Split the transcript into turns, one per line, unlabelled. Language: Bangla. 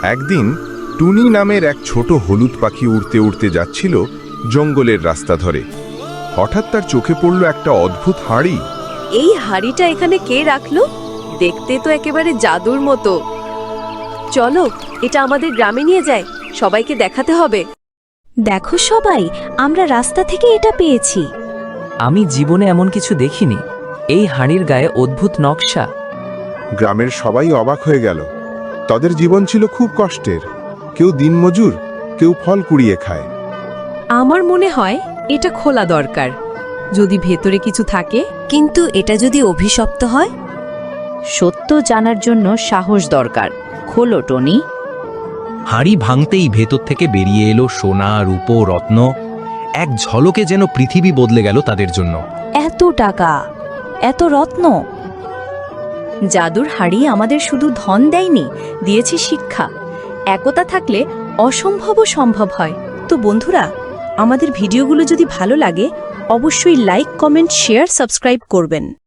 একদিন টুনি নামের এক ছোট হলুদ পাখি উড়তে উড়তে যাচ্ছিল জঙ্গলের রাস্তা ধরে। হঠাৎ তার চোখে পড়ল একটা অদ্ভুত হাঁড়ি।
এই হাঁড়িটা এখানে কে রাখলো? দেখতে তো একেবারে জাদুর মতো। চলো এটা আমাদের গ্রামে নিয়ে যায়, সবাইকে দেখাতে হবে।
দেখো সবাই, আমরা রাস্তা থেকে এটা পেয়েছি।
আমি জীবনে এমন কিছু দেখিনি। এই হাঁড়ির গায়ে অদ্ভুত নকশা।
গ্রামের সবাই অবাক হয়ে গেল। তাদের জীবন ছিল খুব কষ্টের। কেউ দিনমজুর, কেউ ফল কুড়িয়ে খায়।
আমার মনে হয় এটা খোলা দরকার, যদি ভেতরে কিছু থাকে।
কিন্তু এটা যদি অভিশপ্ত হয়? সত্য জানার জন্য সাহস দরকার। খোলো টনি।
হাঁড়ি ভাঙতেই ভেতর থেকে বেরিয়ে এলো সোনা, রূপো, রত্ন। এক ঝলকে যেন পৃথিবী বদলে গেল তাদের জন্য।
এত টাকা, এত রত্ন! জাদুর হাড়ি আমাদের শুধু ধন দেয়নি, দিয়েছে শিক্ষা। একতা থাকলে অসম্ভবও সম্ভব হয়। তো বন্ধুরা, আমাদের ভিডিওগুলো যদি ভালো লাগে অবশ্যই লাইক, কমেন্ট, শেয়ার, সাবস্ক্রাইব করবেন।